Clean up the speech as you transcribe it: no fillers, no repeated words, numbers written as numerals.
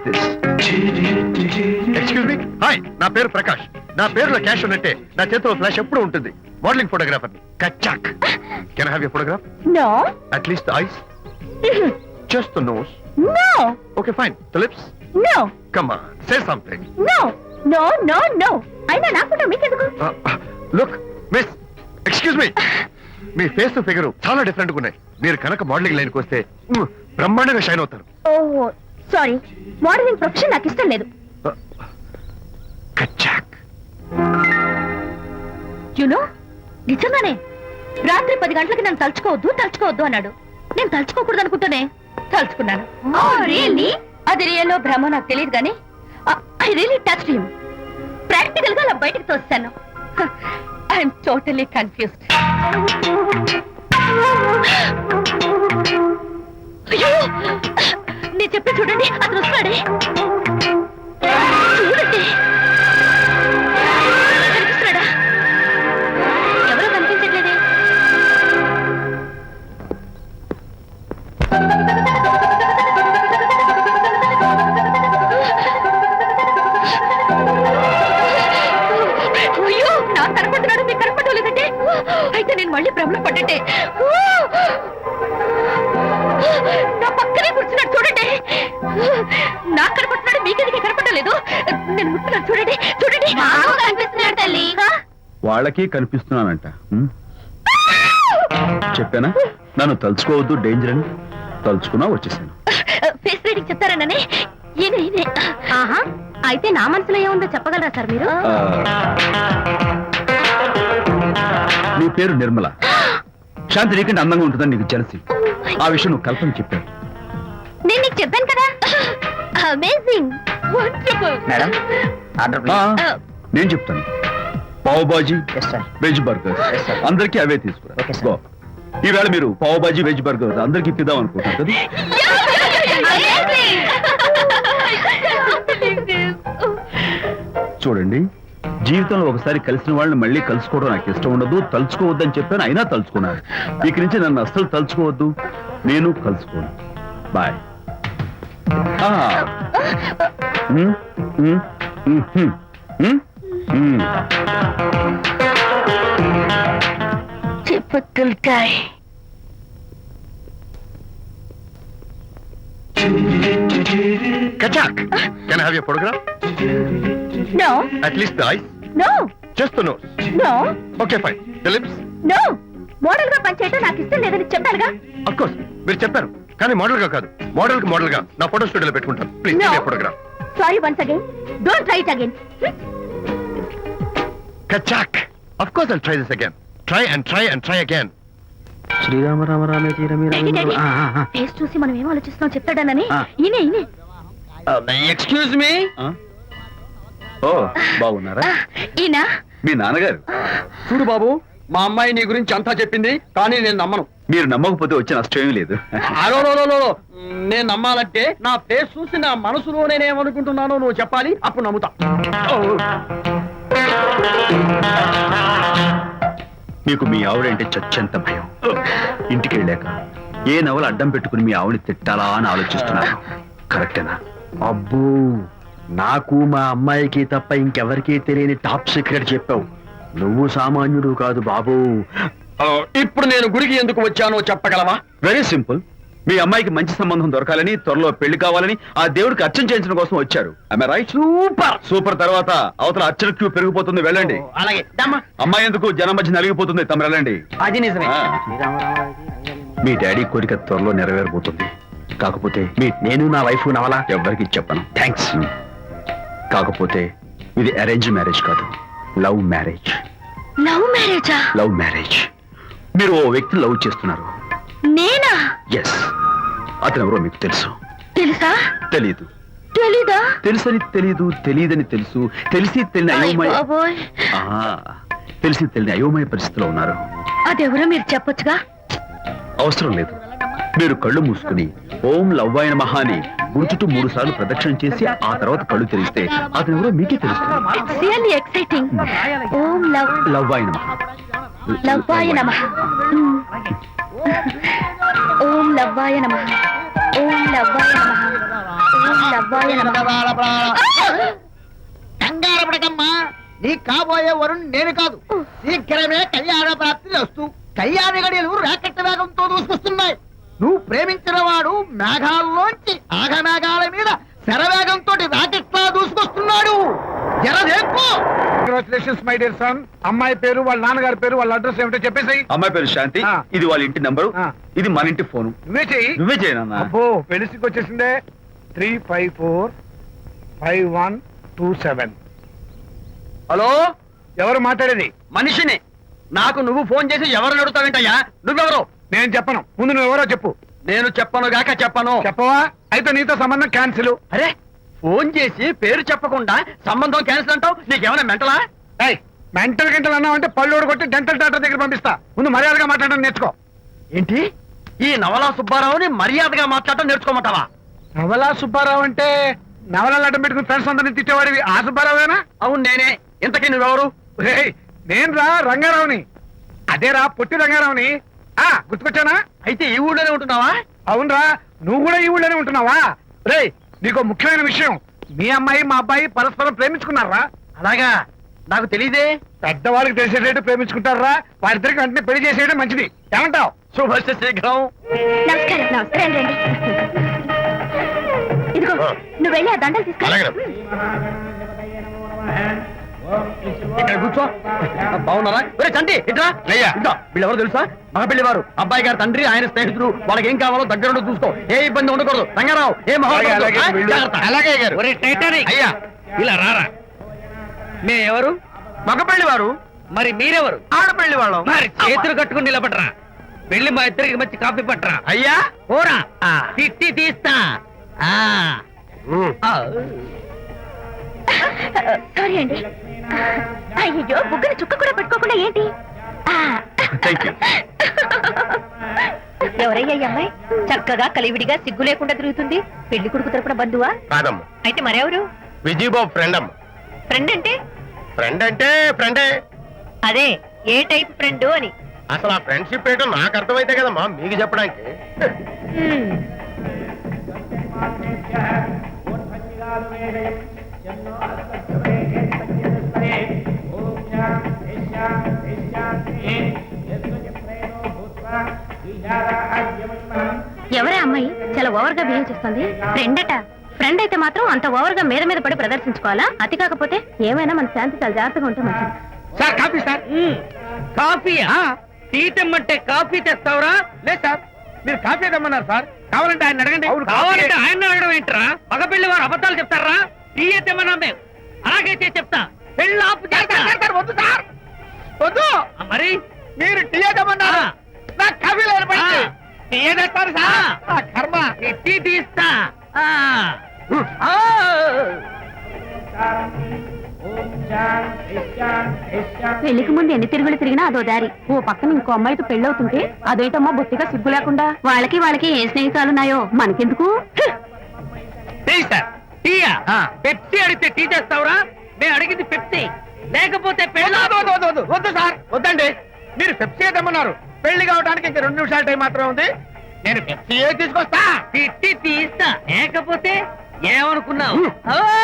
This. Excuse me, hi, నా పేరు ప్రకాష్. నా పేరులో క్యాష్ ఉన్నట్టే నా చేతిలో ఫ్లాష్ ఎప్పుడు ఉంటుంది. మోడలింగ్ ఫోటోగ్రాఫర్ కచ్చాక్. Can I have your photograph? No. At least the eyes, just the nose. No. Okay fine, the lips. No. Come on, say something. No no no no. అయినా నా ఫోటో మీకెందుకు? Look miss, excuse me, మీ face figure చాలా different గా ఉన్నాయి. మీరు కనుక modelling లైన్కి వస్తే బ్రహ్మాండంగా షైన్ అవుతారు. ఓహో సారీ, మోడలింగ్ ప్రొఫెషన్ నాకు ఇష్టం లేదు. కచ్చాక్. యునో, నిజంగానే రాత్రి 10 గంటలకి నన్ను తలుచుకోవద్దు అన్నాడు. నేను తలుచుకోకూడదు అనుకుంటూనే తలుచుకున్నాను. అది రియల్లో భ్రమ నాకు తెలియదు కానీ I really touch him. Practical గా అలా బయటకు తోస్తాను. I'm totally confused. అయ్యో, నేను చెప్పి చూడండి, అతను వస్తాడే. చూడండి, కనిపిస్తున్నాడా? ఎవరో కనిపించట్లేదే. అయ్యో, నాకు కనపడుతున్నాడు, మీకు కనపడలేదంటే అయితే నేను మళ్ళీ భ్రమలో పడ్డట్టే. నా పక్కనే కూర్చున్నాడు చూడండి. నాకు కనపడుతున్నాడు, మీకెందుకు కనపడలేదు? నేను ముట్టున్నాను చూడండి, చూడండి కనిపిస్తున్నాడు తల్లి. వాళ్ళకి కనిపిస్తున్నానంట. చెప్పానా నన్ను తలుచుకోవద్దు, డేంజర్ అని. తలుచుకున్నా వచ్చేసాను. ఫేస్ రీడింగ్ చెప్తారననే. ఆహా, అయితే నా మనసులో ఏముందో చెప్పగలరా సార్ మీరు? నీ పేరు నిర్మల. శాంతి నీకంటే అందంగా ఉంటుందని నీకు తెలిసి ఆ విషయం నువ్వు కల్పన చెప్పావు. నేను నీకు చెప్పాను కదా. Amazing, wonderful. Madam, order please. నేను చెప్తాను. పావ్ బాజీ, వెజ్ బర్గర్, అందరికీ అవే తీసుకురా. గో. ఈవేళ మీరు పావ్ బాజీ, వెజ్ బర్గర్ అందరికీ ఇప్పిద్దాం అనుకుంటారు కదా. చూడండి, జీవితంలో ఒకసారి కలిసిన వాళ్ళని మళ్ళీ కలుసుకోవడం నాకు ఇష్టం ఉండదు. తలుచుకోవద్దని చెప్పాను, అయినా తలుచుకున్నాను. ఇక నుంచి నన్ను అస్సలు తలుచుకోవద్దు, నేను కలుసుకోను. Bye. Typical guy. Kachak, can I have your photograph? No. At least the eyes, No. just the nose. No. Okay fine, the lips. No. Model గా పనిచేయటం నాకు ఇష్టం లేదని చెప్పానుగా. Of course, మీరు చెప్పారు, కానీ మోడల్ గా కాదు. మోడల్ గా నా ఫోటో స్టూడియోలో పెట్టుకుంటాను. Please No. give me a photograph. Sorry once again. Don't try it again. Kachak, of course I'll try this again. Try and try and try again. Srirama Rama రామే తీరమి ఫేస్ చూసి మనం ఏం ఆలోచిస్తున్నాం చెప్తాడనని. ఈయనే. Excuse me. ఓ, బాగున్నారా? ఈయన మీ నాన్నగారు. చూడు బాబు, మా అమ్మాయి నీ గురించి అంతా చెప్పింది, కానీ నేను నమ్మను. మీరు నమ్మకపోతే వచ్చే నష్టం ఏమీ లేదు. అలో నేను నమ్మాలంటే నా ఫేస్ చూసి నా మనసులో నేనేమనుకుంటున్నానో నువ్వు చెప్పాలి, అప్పుడు నమ్ముతా. మీకు మీ ఆవిడంటే చచ్చెంత భయం. ఇంటికి వెళ్ళాక ఏ నవల అడ్డం పెట్టుకుని మీ ఆవిడని తిట్టాలా అని ఆలోచిస్తున్నాను. కరెక్టేనా? అబ్బో, నాకు మా అమ్మాయికి తప్ప ఇంకెవరికీ తెలియని టాప్ సీక్రెట్ చెప్పావు. నువ్వు సామాన్యుడు కాదు బాబు. ఇప్పుడు నేను గుడికి ఎందుకు వచ్చానో చెప్పగలవా? Very simple. మీ అమ్మాయికి మంచి సంబంధం దొరకాలని, త్వరలో పెళ్లి కావాలని ఆ దేవుడికి అర్చన చేయించడం కోసం వచ్చారు. Am I right? సూపర్. తర్వాత అవతల అర్చన క్యూ పెరిగిపోతుంది, వెళ్ళండి. అలాగే. అమ్మాయి ఎందుకు జనం మధ్య నలిగిపోతుంది, తమ వెళ్ళండి. అది నిజమే. మీ డాడీ కోరిక త్వరలో నెరవేరబోతుంది. కాకపోతే నేను నా వైఫ్ నవలా ఎవ్వరికి చెప్పను. థ్యాంక్స్. కాకపోతే ఇది అరేంజ్ మ్యారేజ్ కాదు, లవ్ మ్యారేజ్. లవ్ మ్యారేజా? Love marriage. మీరు ఓ వ్యక్తి లవ్ చేస్తున్నారు. నేనా? ఎస్. అతను ఎవరో మీకు తెలుసు. తెలుసా? తెలీదు. తెలీదా? తెలుసని తెలీదు, తెలియదని తెలుసు, తెలిసి తెలియని అయోమయ తెలిసి తెలియని అయోమయ పరిస్థితిలో ఉన్నారు. అదెవరో మీరు చెప్పొచ్చుగా. అవసరం లేదు. మీరు కళ్ళు మూసుకుని ఓం లవ్వాయ నమః అని గుర్తుటూ 3 సార్లు ప్రదక్షిణ చేసి ఆ తర్వాత కళ్ళు తెరిస్తే అతను ఎవరో మీకే తెలుస్తుంది. It's really exciting. ఓం లవ్వాయ నమః. లవ్వాయ నమః. ఓం లవ్వాయ నమః. ఓం లవ్వాయ నమః. లవ్వాయ నమః. కంగారు పడకమ్మా, నీ కాబోయే వరుణ్ నేను కాదు. శీఘ్రమే కళ్యాణ ప్రాప్తి వస్తూ కళ్యాణ గడియలు రాకెట్ వేగంతో దూసుకొస్తున్నాయి. నువ్వు ప్రేమించిన వాడు మేఘాల్లోంచి ఆగమేఘాల మీద శరవేగంతో రాకెట్లా దూసుకొస్తున్నాడు. జరదేపు. Congratulations my dear son. అమ్మాయి పేరు, వాళ్ళ నాన్నగారి పేరు, వాళ్ళ అడ్రస్ ఏమిటో చెప్పేసి. అమ్మాయి పేరు శాంతి, ఆ. ఇది వాళ్ళ ఇంటి నంబరు, ఆ. ఇది మన ఇంటి ఫోను. నువ్వే చెయ్యి. నువ్వే చేయనన్నా. అబ్బో పెళ్లికి వచ్చేసిందే. 3545127. హలో, ఎవరు మాట్లాడేది? మనిషిని. నాకు నువ్వు ఫోన్ చేసి ఎవరు అడుగుతావేంటయ్యా? నువ్వెవరు? నేను చెప్పను, ముందు నువ్వు ఎవరో చెప్పు. నేను చెప్పను గాక చెప్పను. చెప్పవా? అయితే నీతో సంబంధం క్యాన్సిల్. అరే, ఫోన్ చేసి పేరు చెప్పకుండా సంబంధం క్యాన్సిల్ అంటావు? నీకేమైనా మెంటలా? మెంటల్ గంటలు అన్నావంటే పళ్ళు కొట్టి డెంటల్ డాక్టర్ దగ్గర పంపిస్తా. ముందు మర్యాదగా మాట్లాడడం నేర్చుకో. ఏంటి, ఈ నవలా సుబ్బారావుని మర్యాదగా మాట్లాడటం నేర్చుకోమంటావా? నవలా సుబ్బారావు అంటే నవలాలు అడ్డం పెట్టుకుని ఫ్రెండ్స్ అందరిని తిట్టేవాడివి ఆ సుబ్బారావేనా? అవును నేనే. ఇంతకీ నువ్వెవరు? నేను రా రంగారావుని. అదేరా పొట్టి రంగారావుని. గుర్తుకొచ్చానా? అయితే ఈ ఊళ్ళోనే ఉంటున్నావా? అవునరా, నువ్వు కూడా ఈ ఊళ్ళోనే ఉంటున్నావా? రే, నీకు ముఖ్యమైన విషయం. మీ అమ్మాయి మా అబ్బాయి పరస్పరం ప్రేమించుకున్నారా? అలాగా, నాకు తెలియదే. పెద్దవాళ్ళకి తెలిసేటట్టు ప్రేమించుకుంటారా? వారిద్దరికి వెంటనే పెళ్లి చేసేయడం మంచిది. ఏమంటావు? శుభస్య శీఘ్రం. నమస్కారం. నమస్కారం రండి. ఇదిగో నువ్వు వెళ్ళి ఆ దండలు తీసుకో. ఇక్కడ కూర్చో. బాగున్నారా? ఒరే చంటి, ఇట్రా. అయ్యా. ఇట్రా. వీళ్ళెవరో తెలుసా? మగ పెళ్లివారు, అబ్బాయి గారి తండ్రి, ఆయన స్నేహితుడు. వాళ్ళకి ఏం కావాలో దగ్గరుండి చూసుకో. ఏ ఇబ్బంది ఉండకూడదు. రంగారావు, ఏ అలాగే, అలాగే, వీళ్ళు. అలాగే గారు. అయ్యా, ఇలా రారా. మేమెవరు? మగ పెళ్లివారు. మరి మీరెవరు? ఆడపెళ్లి వాళ్ళం. మరి చేతులు కట్టుకుని నిలబడరా. వెళ్ళి మా ఇద్దరికి మంచి కాఫీ పట్టరా. అయ్యా ఓరా, తిట్టి తీస్తా. సారీ అండి. అయ్యో, బుగ్గన చుక్క కూడా పెట్టుకోకుండా ఏంటి? Thank you. ఎవరయ్యా ఈ అమ్మాయి? చక్కగా కలివిడిగా సిగ్గు లేకుండా తిరుగుతుంది. పెళ్లి కొడుకు తరపున బంధువా? కాదమ్మ, అయితే మరెవరు? విజయబాబు ఫ్రెండ్ అమ్మ. ఫ్రెండ్ అంటే? ఫ్రెండ్ అంటే ఫ్రెండే. అదే, ఏ టైప్ ఫ్రెండ్ అని. అసలు ఆ ఫ్రెండ్షిప్ ఏంటో నాకు అర్థమైతే కదమ్మా మీకు చెప్పడానికి. ఎవరే అమ్మాయి చాలా ఓవర్ గా బిహేవ్ చేస్తుంది? ఫ్రెండ్ అట. ఫ్రెండ్ అయితే మాత్రం అంత ఓవర్ గా మీద మీద పడి ప్రదర్శించుకోవాలా? అతి కాకపోతే ఏమైనా మన శాంతి చాలా జాగ్రత్తగా ఉంటే మంచిది. Sir coffee sir. కాఫీయా? టీ తెమ్మంటే కాఫీ తెస్తావురా? లేదు సార్, మీరు కాఫీ తెమ్మన్నారు సార్. కావాలంటే ఆయన అడగండి. కావాలంటే ఆయన అడగడం ఏంట్రా? మగ పెళ్లి వారు అబద్ధాలు చెప్తారా? టీ తెమ్మన్నా మేము. అలాగైతే చెప్తా. పెళ్ళి ఆపు చేస్తా. వద్దు సార్, వద్దు. మరి మీరు టీ తెమ్మన్నారు, నాకు కాఫీ లేదు. టీ తెస్తారు సార్. కర్మ. టీ తీస్తా. పెళ్లికి ముందు ఎన్ని తిరుగులు తిరిగినా అదో దారి. ఓ పక్కన ఇంకో అమ్మాయితో పెళ్ళవుతుంటే అదేంటమ్మా బొత్తిగా సిగ్గు లేకుండా. వాళ్ళకి ఏ స్నేహితాలున్నాయో మనకెందుకు? Tea sir. టీయా? పెప్సీ అడిగితే టీ తెస్తావురా? మేము అడిగింది పెప్సీ, లేకపోతే వద్దు సార్, వద్దండి. మీరు పెప్సీ తెమ్మన్నారు. పెళ్లి కావడానికి ఇంకా 2 నిమిషాల టైం మాత్రమే ఉంది. నేను పెప్సీ తీసుకొస్తా. తిట్టి తీస్తా, లేకపోతే ఏమనుకున్నావు?